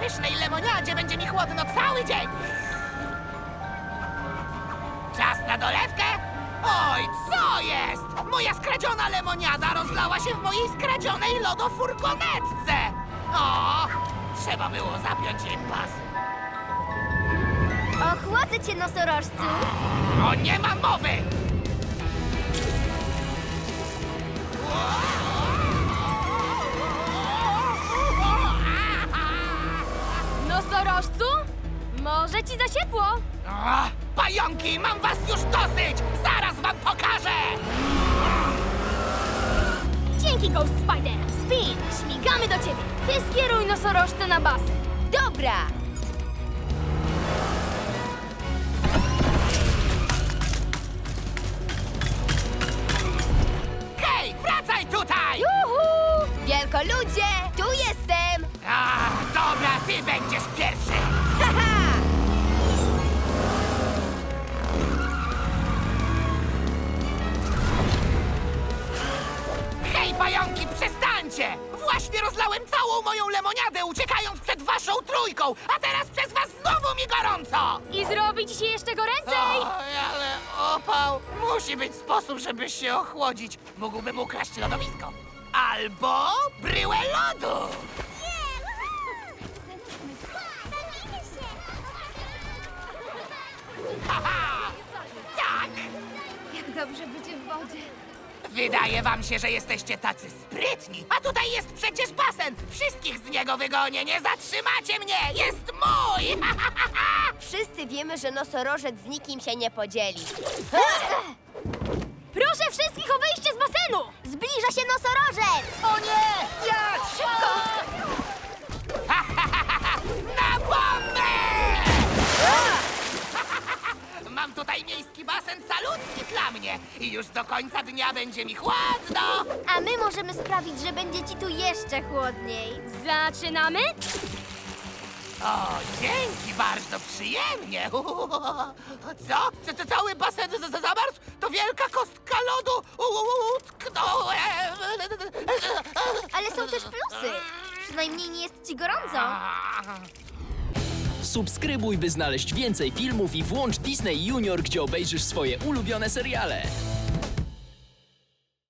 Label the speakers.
Speaker 1: pysznej lemoniadzie będzie mi chłodno cały dzień. Czas na dolewkę? Oj, co jest? Moja skradziona lemoniada rozlała się w mojej skradzionej lodofurgonetce. O, trzeba było zapiąć im pas.
Speaker 2: Ochłodzę cię, nosorożcu.
Speaker 1: O, nie ma mowy!
Speaker 2: Nosorożcu? Może ci za ciepło?
Speaker 1: O, pająki, mam was już dosyć! Zaraz wam pokażę!
Speaker 2: Dzięki, Ghost Spider. Spin, śmigamy do ciebie. Ty skieruj nosorożce na basen. Dobra.
Speaker 1: Hej, wracaj tutaj!
Speaker 2: Juhu! Wielkoludzie, tu jestem.
Speaker 1: A, dobra, ty będziesz pierwszy!
Speaker 2: Haha!
Speaker 1: Hej, pająki, przestańcie! Właśnie rozlałem całą moją lemoniadę, uciekając przed waszą trójką, a teraz przez was znowu mi gorąco!
Speaker 2: I zrobi ci się jeszcze goręcej.
Speaker 1: Oj, ale opał. Musi być sposób, żeby się ochłodzić. Mógłbym ukraść lodowisko. Albo bryłę lodu. Haha! Tak!
Speaker 2: Jak dobrze będzie w wodzie.
Speaker 1: Wydaje wam się, że jesteście tacy sprytni. A tutaj jest przecież basen. Wszystkich z niego wygonię. Nie zatrzymacie mnie. Jest mój!
Speaker 2: Wszyscy wiemy, że nosorożec z nikim się nie podzieli. Proszę wszystkich o wyjście z basenu! Zbliża się nosorożec! O nie! Ja! Szybko!
Speaker 1: Na bombę! Mam tutaj miejski basen salutki dla mnie i już do końca dnia będzie mi chłodno.
Speaker 2: A my możemy sprawić, że będzie ci tu jeszcze chłodniej. Zaczynamy?
Speaker 1: O, dzięki, bardzo przyjemnie. Co? Co cały basen zamarzł? To wielka kostka lodu. Utknąłem.
Speaker 2: Ale są też plusy. Przynajmniej nie jest ci gorąco.
Speaker 3: Subskrybuj, by znaleźć więcej filmów i włącz Disney Junior, gdzie obejrzysz swoje ulubione seriale.